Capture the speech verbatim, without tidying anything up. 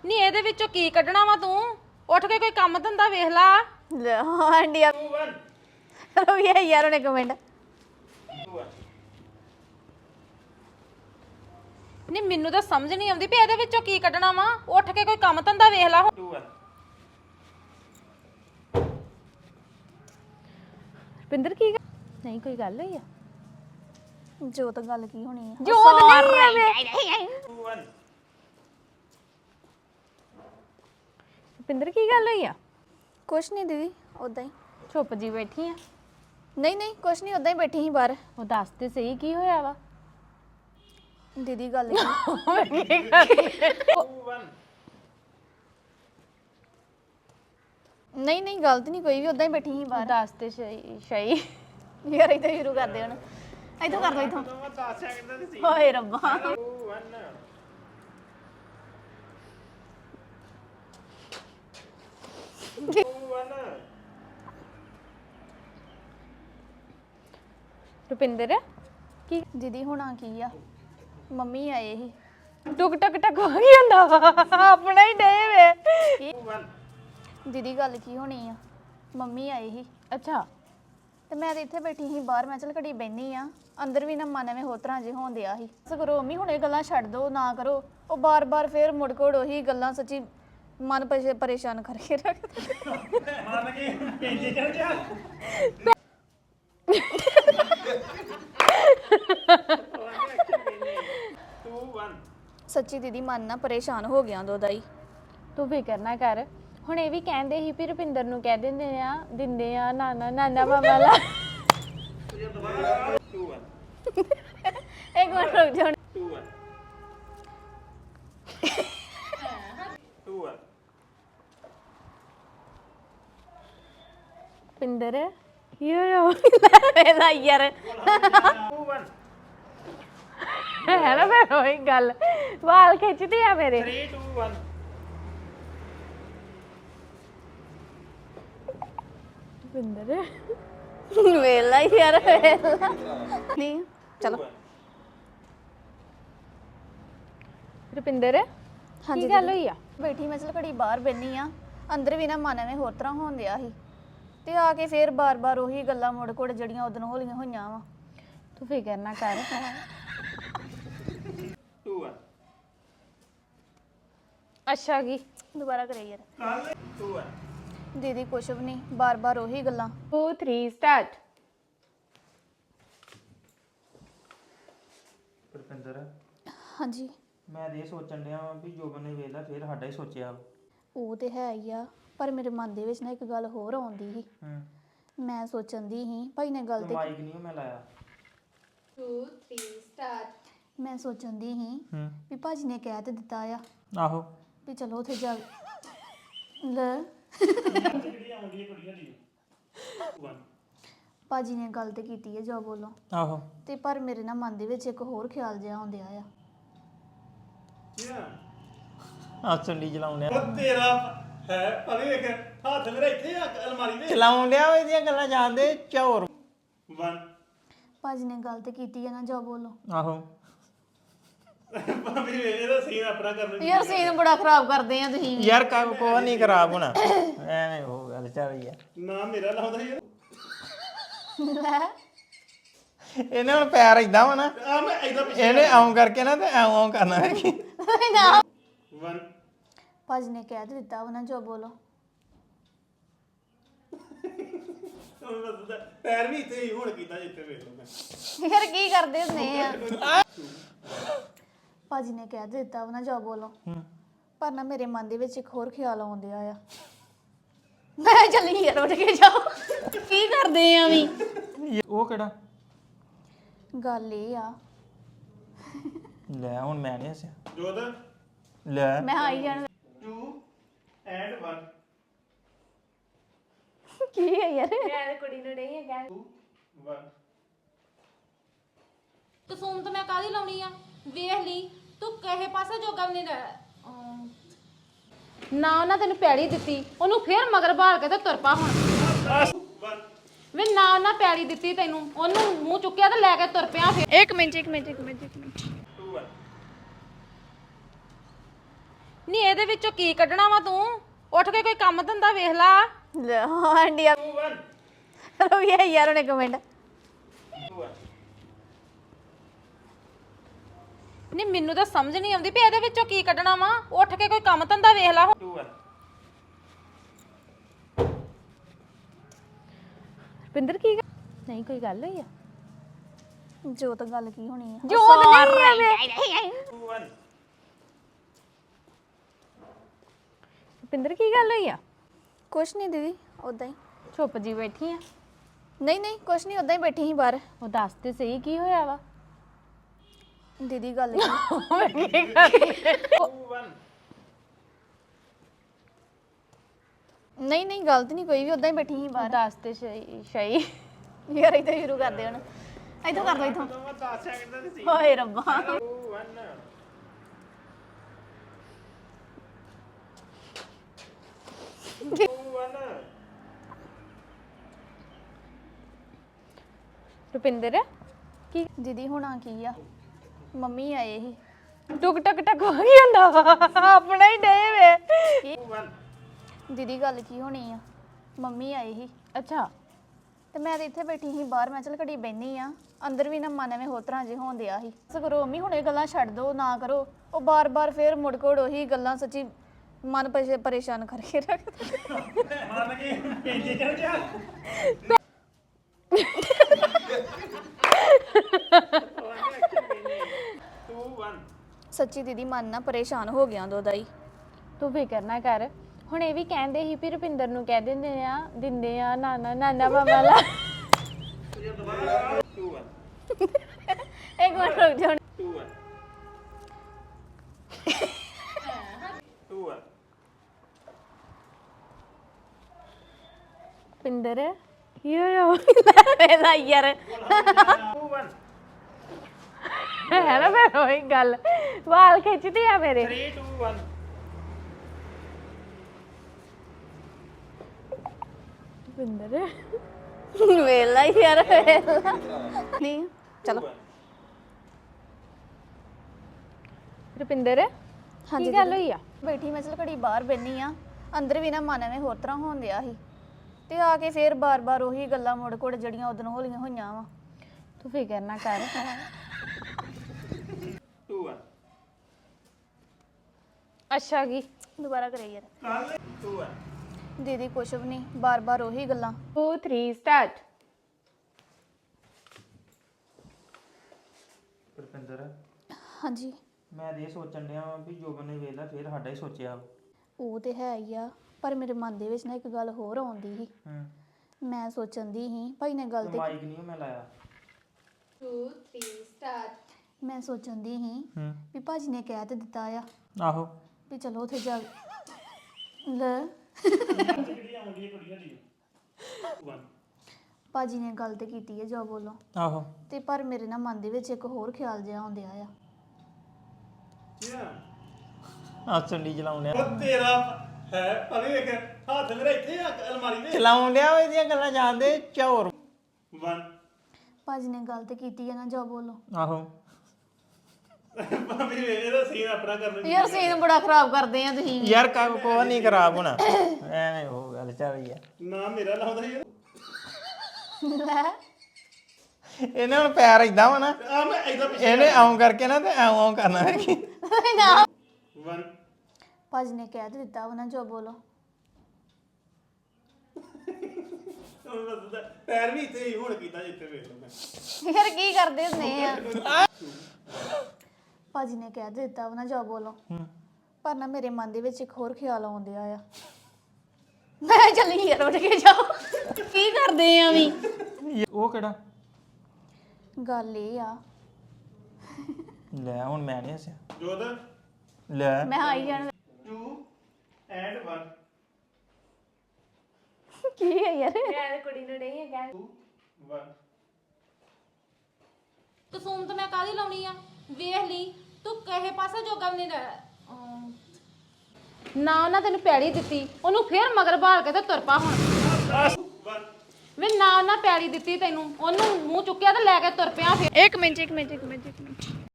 ਨਹੀਂ ਇਹਦੇ ਵਿੱਚੋਂ ਕੀ ਕੱਢਣਾ ਵਾ ਤੂੰ ਉੱਠ ਕੇ ਕੋਈ ਕੰਮ ਧੰਦਾ ਵੇਖ ਲਾ ਹਾਂ ਇੰਡੀਆ ਰੋ ਯਾਰ ਉਹਨੇ ਕਮੈਂਟ ਨਹੀਂ ਮੈਨੂੰ ਤਾਂ ਸਮਝ ਨਹੀਂ ਆਉਂਦੀ ਵੀ ਇਹਦੇ ਵਿੱਚੋਂ ਕੀ ਕੱਢਣਾ ਵਾ ਉੱਠ ਕੇ ਕੋਈ ਕੰਮ ਧੰਦਾ ਵੇਖ ਲਾ ਰੁਪਿੰਦਰ ਕੀ ਨਹੀਂ ਕੋਈ ਗੱਲ ਹੋਈ ਆ ਜੋਤ ਗੱਲ ਕੀ ਹੋਣੀ ਆ ਜੋਤ ਨਹੀਂ ਰੁਪਿੰਦਰ ਕੀ ਗੱਲ ਹੋਈ ਆ ਕੁਛ ਨਹੀਂ ਦੀਦੀ ਉਦਾਂ ਹੀ ਚੁੱਪ ਜੀ ਬੈਠੀ ਆ ਨਹੀਂ ਨਹੀਂ ਕੁਛ ਨਹੀਂ ਉਦਾਂ ਹੀ ਬੈਠੀ ਸੀ ਬਾਹਰ ਉਹ ਦੱਸ ਤੇ ਸਹੀ ਕੀ ਹੋਇਆ ਵਾ ਦੀਦੀ ਗੱਲ ਕੀ ਨਹੀਂ ਨਹੀਂ ਗਲਤ ਨਹੀਂ ਕੋਈ ਵੀ ਉਦਾਂ ਹੀ ਬੈਠੀ ਸੀ ਬਾਹਰ ਦੱਸ ਤੇ ਸਹੀ ਸਹੀ ਯਾਰ ਇਦਾਂ ਸ਼ੁਰੂ ਕਰਦੇ ਹੁਣ ਇਥੋਂ ਕਰ ਦੋ ਇਥੋਂ ਹੋਏ ਰੱਬਾ ਰੁਪਿੰਦਰ ਕੀ ਦੀਦੀ ਹੋਣਾ ਕੀ ਆ ਮੰਮੀ ਆਏ ਸੀ ਟੁਕ ਟਕ ਟਕ ਹੋ ਗਈ ਹੁੰਦਾ ਵਾ ਆਪਣਾ ਹੀ ਡੇ ਵੇ ਦੀਦੀ ਗੱਲ ਕੀ ਹੋਣੀ ਆ ਮੰਮੀ ਆਏ ਸੀ ਅੱਛਾ ਤੇ ਮੈਂ ਤੇ ਇੱਥੇ ਬੈਠੀ ਸੀ ਬਾਹਰ ਮੈਂ ਚਲ ਘੜੀ ਬੈਣੀ ਆ ਅੰਦਰ ਵੀ ਨਾ ਮਨ ਐਵੇਂ ਹੋਰ ਤਰ੍ਹਾਂ ਜੇ ਹੋਣ ਦਿਆ ਸੀ ਬਸ ਕਰੋ ਮੰਮੀ ਹੁਣ ਇਹ ਗੱਲਾਂ ਛੱਡ ਦੋ ਨਾ ਕਰੋ ਉਹ ਬਾਰ-ਬਾਰ ਫੇਰ ਮੁੜ ਕੋੜ ਉਹੀ ਗੱਲਾਂ ਸੱਚੀ ਮਨ ਪਰੇਸ਼ਾਨ ਕਰਕੇ ਰੱਖਦੇ ਮਨ ਕੀ ਕਹਿੰਦੇ ਚੱਲ ਜਾ ਸੱਚੀ ਦੀਦੀ ਮਨ ਨਾ ਪਰੇਸ਼ਾਨ ਹੋ ਗਿਆ ਦੋ ਦਾਈ ਤੂੰ ਫਿਕਰ ਨਾ ਕਰ ਹੁਣ ਇਹ ਵੀ ਕਹਿੰਦੇ ਸੀ ਵੀ ਰੁਪਿੰਦਰ ਨੂੰ ਕਹਿ ਦਿੰਦੇ ਆ ਦਿੰਦੇ ਆ ਨਾਨਾ ਨਾਨਾ ਮਾਮਾ ਲਾ ਇੱਕ ਮਿੰਟ ਰੁਕ ਜਾ ਰੁਪਿੰਦਰ ਯੋ ਇਹਦਾ ਯਾਰ ਹੈ ਨਾ ਫਿਰ ਉਹੀ ਗੱਲ ਵਾਲ ਖਿੱਚਦੇ ਆ ਮੇਰੇ three two one ਰੁਪਿੰਦਰ ਵੇਲਾ ਯਾਰ ਵੇਲਾ ਨਹੀਂ ਚਲੋ ਰੁਪਿੰਦਰ ਕੀ ਗੱਲ ਹੋਈ ਆ ਬੈਠੀ ਮੈਂ ਚਲ ਘੜੀ ਬਾਹਰ ਬੈਣੀ ਆ ਅੰਦਰ ਵੀ ਨਾ ਮਨ ਐਵੇਂ ਹੋਰ ਤਰ੍ਹਾਂ ਹੋਣ ਦਿਆ ਸੀ ਤੇ ਆ ਕੇ ਫੇਰ ਬਾਰ-ਬਾਰ ਉਹੀ ਗੱਲਾਂ ਮੁੜ ਕੋੜ ਜਿਹੜੀਆਂ ਉਦੋਂ ਹੋਲੀਆਂ ਹੋਈਆਂ ਵਾ ਤੂੰ ਫਿਕਰ ਨਾ ਕਰ two one ਅੱਛਾ ਕੀ ਦੁਬਾਰਾ ਕਰੇ ਯਾਰ two one ਦੀਦੀ ਕੁਛ ਵੀ ਨਹੀਂ ਬਾਰ-ਬਾਰ ਉਹੀ ਗੱਲਾਂ two three ਸਟਾਰਟ ਰੁਪਿੰਦਰ ਹਾਂਜੀ ਮੈਂ ਇਹ ਸੋਚਣ ਡਿਆ ਵਾਂ ਵੀ ਜੋਬਨ ਨੇ ਵੇਲਾ ਫੇਰ ਸਾਡਾ ਹੀ ਸੋਚਿਆ ਉਹ ਤੇ ਹੈ ਹੀ ਆ ਪਰ ਮੇਰੇ ਮਨ ਦੇ ਵਿੱਚ ਨਾ ਇੱਕ ਗੱਲ ਹੋਰ ਆਉਂਦੀ ਸੀ ਹੂੰ ਮੈਂ ਸੋਚਣ ਦੀ ਸੀ ਭਾਈ ਨੇ ਗੱਲ ਤੇ ਮਾਈਕ ਨਹੀਂ ਮੈਂ ਲਾਇਆ two three ਸਟਾਰਟ ਮੈਂ ਸੋਚਣ ਦੀ ਸੀ ਹੂੰ ਵੀ ਭਾਜੀ ਨੇ ਕਹਿ ਤੇ ਦਿੱਤਾ ਆ ਆਹੋ ਵੀ ਚਲੋ ਉੱਥੇ ਜਾ ਲੈ ਭਾਜੀ ਨੇ ਗੱਲ ਤੇ ਕੀਤੀ ਹੈ ਜੋ ਬੋਲੋ ਆਹੋ ਤੇ ਪਰ ਮੇਰੇ ਨਾ ਮਨ ਦੇ ਵਿੱਚ ਇੱਕ ਹੋਰ ਖਿਆਲ ਜਿਹਾ ਆਉਂਦਿਆ ਆ ਆ ਚੰਡੀ ਚਲਾਉਂਦੇ ਆ ਤੇਰਾ ਹੈ ਅਰੇ ਵੇਖ ਹੱਥ ਮੇਰਾ ਇੱਥੇ ਆ ਅਲਮਾਰੀ ਦੇ ਚਲਾਉਂਦੇ ਆ ਇਹਦੀਆਂ ਗੱਲਾਂ ਜਾਣਦੇ ਚੌਰ one ਭਾਜੀ ਨੇ ਗੱਲ ਤੇ ਕੀਤੀ ਹੈ ਨਾ ਜੋ ਬੋਲੋ ਆਹੋ ਭਾਬੀ ਇਹਦਾ ਸੀਨ ਆਪਣਾ ਕਰਨ ਯਾਰ ਸੀਨ ਬੜਾ ਖਰਾਬ ਕਰਦੇ ਆ ਤੁਸੀਂ ਵੀ। ਯਾਰ ਕਾ ਕੋ ਨਹੀਂ ਖਰਾਬ ਹੋਣਾ ਐਵੇਂ ਹੋ ਗੱਲ ਚੱਲ ਰਹੀ ਆ ਨਾ ਮੇਰਾ ਲਾਉਂਦਾ ਯਾਰ ਲੈ ਇਹਨੇ ਹੁਣ ਪੈਰ ਇਦਾਂ ਵਾ ਨਾ ਆ ਮੈਂ ਇਦਾਂ ਪਿੱਛੇ ਇਹਨੇ ਆਉਂ ਕਰਕੇ ਨਾ ਤੇ ਐਉਂ ਆਉਂ ਕਰਨਾ ਹੈ ਕਿ ਨਾ one ਭਾਜੀ ਨੇ ਕਹਿ ਤੇ ਦਿੱਤਾ ਵਾ ਨਾ ਜੋ ਬੋਲੋ ਉਹ ਦੱਸਦਾ ਪੈਰ ਵੀ ਇੱਥੇ ਹੀ ਹੁਣ ਕੀਤਾ ਜਿੱਥੇ ਵੇਖ ਲਓ ਮੈਂ ਯਾਰ ਕੀ ਕਰਦੇ ਹੁੰਦੇ ਆ ਭਾਜੀ ਨੇ ਕਹਿ ਤੇ ਦਿੱਤਾ ਵਾ ਨਾ ਜੋ ਬੋਲੋ ਪਰ ਨਾ ਮੇਰੇ ਮਨ ਦੇ ਵਿੱਚ ਇੱਕ ਹੋਰ ਖਿਆਲ ਆਉਂਦਿਆ ਆ ਮੈਂ ਚੱਲੀ ਯਾਰ ਉੱਠ ਕੇ ਜਾਓ ਕੀ ਕਰਦੇ ਆ ਵੀ ਉਹ ਕਿਹੜਾ ਗੱਲ ਇਹ ਆ ਲੈ ਹੁਣ ਮੈਂ ਨਹੀਂ ਹੱਸਿਆ ਜੋਤ ਲੈ ਮੈਂ ਆਈ ਜਾਣ two and one ਕੀ ਹੈ ਯਾਰ ਮੈਂ ਕੁੜੀ ਨੂੰ ਨਹੀਂ ਹੈ ਕਹਿ two one ਤੂੰ ਫੋਨ ਤਾਂ ਮੈਂ ਕਾਹਦੀ ਲਾਉਣੀ ਆ ਵੇਖ ਲਈ ਤੂੰ ਕਹੇ ਪਾਸੇ ਜੋਗਾ ਵੀ ਨਹੀਂ ਰਹਿ ਨਾ ਉਹਨਾਂ ਤੈਨੂੰ ਪੈੜੀ ਦਿੱਤੀ ਉਹਨੂੰ ਫੇਰ ਮਗਰ ਭਾਲ ਕੇ ਤੇ ਤੁਰ ਪਾ ਹੁਣ one ਵੇ ਨਾ ਉਹਨਾਂ ਪੈੜੀ ਦਿੱਤੀ ਤੈਨੂੰ ਉਹਨੂੰ ਮੂੰਹ ਚੁੱਕਿਆ ਤੇ ਲੈ ਕੇ ਤੁਰ ਪਿਆ ਫੇਰ ਇੱਕ ਮਿੰਟ ਇੱਕ ਮਿੰਟ ਇੱਕ ਮਿੰਟ ਇੱਕ ਮਿੰਟ two one ਨਹੀਂ ਇਹਦੇ ਵਿੱਚੋਂ ਕੀ ਕੱਢਣਾ ਵਾ ਤੂੰ ਉੱਠ ਕੇ ਕੋਈ ਕੰਮ ਧੰਦਾ ਵੇਖ ਲਾ ਲੈ ਹਾਂ ਇੰਡੀਆ ਰੋ ਯਾ ਯਾਰ ਉਹਨੇ ਕਮੈਂਟ ਨਹੀਂ ਮੈਨੂੰ ਤਾਂ ਸਮਝ ਨਹੀਂ ਆਉਂਦੀ ਵੀ ਇਹਦੇ ਵਿੱਚੋਂ ਕੀ ਕੱਢਣਾ ਵਾ ਉੱਠ ਕੇ ਕੋਈ ਕੰਮ ਧੰਦਾ ਵੇਖ ਲਾ ਰੁਪਿੰਦਰ ਕੀ ਗੱਲ- ਨਹੀਂ ਕੋਈ ਗੱਲ ਹੋਈ ਆ ਜੋ ਤਾਂ ਗੱਲ ਕੀ ਹੋਣੀ ਆ ਜੋਤ ਨਹੀਂ ਆ ਰੁਪਿੰਦਰ ਕੀ ਗੱਲ ਹੋਈ ਆ ਕੁਛ ਨਹੀਂ ਦੀਦੀ ਉਦਾਂ ਹੀ ਚੁੱਪ ਜੀ ਬੈਠੀ ਆ ਨਹੀਂ ਨਹੀਂ ਕੁਛ ਨਹੀਂ ਉਦਾਂ ਹੀ ਬੈਠੀ ਸੀ ਬਾਹਰ ਉਹ ਦੱਸ ਤੇ ਸਹੀ ਕੀ ਹੋਇਆ ਵਾ ਦੀਦੀ ਗੱਲ ਕੀ ਨਹੀਂ ਨਹੀਂ ਗਲਤ ਨਹੀਂ ਕੋਈ ਵੀ ਉਦਾਂ ਹੀ ਬੈਠੀ ਸੀ ਉਹ ਬਾਹਰ ਦੱਸ ਤੇ ਸਹੀ ਸਹੀ ਯਾਰ ਇੱਥੇ ਸ਼ੁਰੂ ਕਰਦੇ ਹੁਣ ਇੱਥੋਂ ਕਰ ਲਓ ਇੱਥੋਂ ਦਸ ਸੈਕਿੰਡ ਦਾ ਤੇ ਸੀ ਹੋਏ ਰੱਬਾ ਰੁਪਿੰਦਰ ਕੀ ਦੀਦੀ ਹੋਣਾ ਕੀ ਆ ਮੰਮੀ ਆਏ ਸੀ ਟੁਕ ਟਕ ਟਕ ਹੋ ਗਈ ਹੁੰਦਾ ਵਾ ਆਪਣਾ ਹੀ ਡੇ ਵੇ ਦੀਦੀ ਗੱਲ ਕੀ ਹੋਣੀ ਆ ਮੰਮੀ ਆਏ ਸੀ ਅੱਛਾ ਤੇ ਮੈਂ ਤੇ ਇੱਥੇ ਬੈਠੀ ਸੀ ਬਾਹਰ ਮੈਂ ਚਲ ਘੜੀ ਬੈਣੀ ਆ ਅੰਦਰ ਵੀ ਨਾ ਮਨ ਐਵੇਂ ਹੋਰ ਤਰ੍ਹਾਂ ਜੇ ਹੋਣ ਦਿਆ ਸੀ ਬਸ ਕਰੋ ਮੰਮੀ ਹੁਣ ਇਹ ਗੱਲਾਂ ਛੱਡ ਦੋ ਨਾ ਕਰੋ ਉਹ ਬਾਰ-ਬਾਰ ਫੇਰ ਮੁੜ ਕੋੜ ਉਹੀ ਗੱਲਾਂ ਸੱਚੀ ਮਨ ਪਰੇ- ਪਰੇਸ਼ਾਨ ਕਰਕੇ ਰੱਖ ਮੰਨ ਕੇ ਇੰਜੇ ਚੱਲ ਜਾ ਸੱਚੀ ਦੀਦੀ ਮਨ ਨਾ ਪਰੇਸ਼ਾਨ ਹੋ ਗਿਆ ਦੋ ਦਾ ਹੀ ਤੂੰ ਫਿਕਰ ਨਾ ਕਰ ਹੁਣ ਇਹ ਵੀ ਕਹਿੰਦੇ ਸੀ ਵੀ ਰੁਪਿੰਦਰ ਨੂੰ ਕਹਿ ਦਿੰਦੇ ਆ ਦਿੰਦੇ ਆ ਨਾਨਾ ਨਾਨਾ ਮਾਮਾ ਲਾ ਇੱਕ ਮਿੰਟ ਰੁਕ ਜਾ ਰੁਪਿੰਦਰ ਕੀ ਹੋਇਆ ਵੇਲਾ ਯਾਰ ਹੈ ਨਾ ਫਿਰ ਉਹੀ ਗੱਲ ਵਾਲ ਖਿੱਚਦੇ ਆ ਮੇਰੇ three two one ਰੁਪਿੰਦਰ ਵੇਲਾ ਯਾਰ ਵੇਲਾ ਨਹੀਂ ਚਲੋ ਰੁਪਿੰਦਰ ਕੀ ਗੱਲ ਹੋਈ ਆ ਬੈਠੀ ਮੈਂ ਚਲ ਘੜੀ ਬਾਹਰ ਬੈਣੀ ਆ ਅੰਦਰ ਵੀ ਨਾ ਮਨ ਐਵੇਂ ਹੋਰ ਤਰ੍ਹਾਂ ਹੋਣ ਦਿਆ ਸੀ ਤੇ ਆ ਕੇ ਫੇਰ ਬਾਰ-ਬਾਰ ਉਹੀ ਗੱਲਾਂ ਮੁੜ ਕੋੜ ਜੜੀਆਂ ਉਦੋਂ ਹੋਲੀਆਂ ਹੋਈਆਂ ਵਾ ਤੂੰ ਫਿਕਰ ਨਾ ਕਰ two one ਅੱਛਾ ਕੀ ਦੁਬਾਰਾ ਕਰੇ ਯਾਰ ਕੱਲ two one ਦੀਦੀ ਕੁਛ ਵੀ ਨਹੀਂ ਬਾਰ-ਬਾਰ ਉਹੀ ਗੱਲਾਂ two three ਸਟਾਰਟ ਰੁਪਿੰਦਰ ਹਾਂਜੀ ਮੈਂ ਇਹ ਸੋਚਣ ਡਿਆ ਵਾਂ ਵੀ ਜੋਬਨ ਨੇ ਵੇਲਾ ਫੇਰ ਸਾਡਾ ਹੀ ਸੋਚਿਆ ਉਹ ਤੇ ਹੈ ਹੀ ਆ ਪਰ ਮੇਰੇ ਮਨ ਦੇ ਵਿੱਚ ਨਾ ਇੱਕ ਗੱਲ ਹੋਰ ਆਉਂਦੀ ਸੀ ਹੂੰ ਮੈਂ ਸੋਚਣ ਦੀ ਸੀ ਭਾਈ ਨੇ ਗੱਲ ਤੇ ਮਾਈਕ ਨਹੀਂ ਮੈਂ ਲਾਇਆ two three ਸਟਾਰਟ ਮੈਂ ਸੋਚਣ ਦੀ ਸੀ ਹੂੰ ਵੀ ਭਾਜੀ ਨੇ ਕਹਿ ਤੇ ਦਿੱਤਾ ਆ ਆਹੋ ਵੀ ਚਲੋ ਉੱਥੇ ਜਾ ਲੈ ਭਾਜੀ ਨੇ ਗੱਲ ਤੇ ਕੀਤੀ ਹੈ ਜੋ ਬੋਲੋ ਆਹੋ ਤੇ ਪਰ ਮੇਰੇ ਨਾ ਮਨ ਦੇ ਵਿੱਚ ਇੱਕ ਹੋਰ ਖਿਆਲ ਜਿਹਾ ਆਉਂਦਿਆ ਆ ਆ ਚੰਡੀ ਚਲਾਉਣ ਡਿਆ ਉਹ ਤੇਰਾ ਹੈ ਅਰੇ ਵੇਖ ਹੱਥ ਮੇਰਾ ਇੱਥੇ ਆ ਅਲਮਾਰੀ ਦੇ ਚਲਾਉਣ ਡਿਆ ਵਾ ਇਹਦੀਆਂ ਗੱਲਾਂ ਜਾਣਦੇ ਚੌਰ one ਭਾਜੀ ਨੇ ਗੱਲ ਤੇ ਕੀਤੀ ਹੈ ਨਾ ਜੋ ਬੋਲੋ ਆਹੋ ਭਾਵੇਂ ਇਹਦਾ ਸੀਨ ਆਪਣਾ ਕਰਨ ਯਾਰ ਸੀਨ ਬੜਾ ਖਰਾਬ ਕਰਦੇ ਆ ਤੁਸੀਂ ਯਾਰ ਕਾ ਕੋ ਨਹੀਂ ਖਰਾਬ ਹੋਣਾ ਐਵੇਂ ਉਹ ਗੱਲ ਚੱਲ ਰਹੀ ਆ ਨਾ ਮੇਰਾ ਲਾਉਂਦਾ ਯਾਰ ਲੈ ਇਹਨੇ ਹੁਣ ਪੈਰ ਇਦਾਂ ਵਾ ਨਾ ਆ ਮੈਂ ਇਦਾਂ ਪਿੱਛੇ ਇਹਨੇ ਆਉਂ ਕਰਕੇ ਨਾ ਤੇ ਐਂ ਆਉਂ ਕਰਨਾ ਹੈ ਕਿ ਨਾ one ਭਾਜੀ ਨੇ ਕਹਿ ਤੇ ਦਿੱਤਾ ਵਾ ਨਾ ਜੋ ਬੋਲੋ ਉਹ ਦੱਸਦਾ ਪੈਰ ਵੀ ਇੱਥੇ ਹੀ ਹੁਣ ਕੀਤਾ ਜਿੱਥੇ ਵੇਖ ਲਓ ਮੈਂ ਯਾਰ ਕੀ ਕਰਦੇ ਹੁੰਦੇ ਆ ਭਾਜੀ ਨੇ ਕਹਿ ਤੇ ਦਿੱਤਾ ਵਾ ਨਾ ਜੋ ਬੋਲੋ ਪਰ ਨਾ ਮੇਰੇ ਮਨ ਦੇ ਵਿੱਚ ਇੱਕ ਹੋਰ ਖਿਆਲ ਆਉਂਦਿਆ ਆ ਮੈਂ ਚੱਲੀ ਯਾਰ ਉੱਠ ਕੇ ਜਾਓ ਕੀ ਕਰਦੇ ਆ ਵੀ ਉਹ ਕਿਹੜਾ ਗੱਲ ਇਹ ਆ ਲੈ ਹੁਣ ਮੈਂ ਨਹੀਂ ਹੱਸਿਆ ਜੋਦ ਲੈ ਮੈਂ ਆਈ ਜਾਣ two and one ਕੀ ਹੈ ਯਾਰ ਮੈਂ ਕੁੜੀ ਨੂੰ ਨਹੀਂ ਕਹਿ two one ਕਸੂਮ ਤਾਂ ਮੈਂ ਕਾਹਦੀ ਲਾਉਣੀ ਆ ਵੇਖ ਲਈ ਤੂੰ ਕਹੇ ਪਾਸੇ ਜੋਗਾ ਵੀ ਨਹੀਂ ਰਹਿ ਨਾ ਉਹਨਾਂ ਤੈਨੂੰ ਪੈੜੀ ਦਿੱਤੀ ਉਹਨੂੰ ਫੇਰ ਮਗਰ ਭਾਲ ਕੇ ਤੇ ਤੁਰ ਪਾ ਹੁਣ one ਵੇ ਨਾ ਉਹਨਾਂ ਪੈੜੀ ਦਿੱਤੀ ਤੈਨੂੰ ਉਹਨੂੰ ਮੂੰਹ ਚੁੱਕਿਆ ਤੇ ਲੈ ਕੇ ਤੁਰ ਪਿਆ ਫੇਰ ਇੱਕ ਮਿੰਟ ਇੱਕ ਮਿੰਟ ਇੱਕ ਮਿੰਟ ਇੱਕ ਮਿੰਟ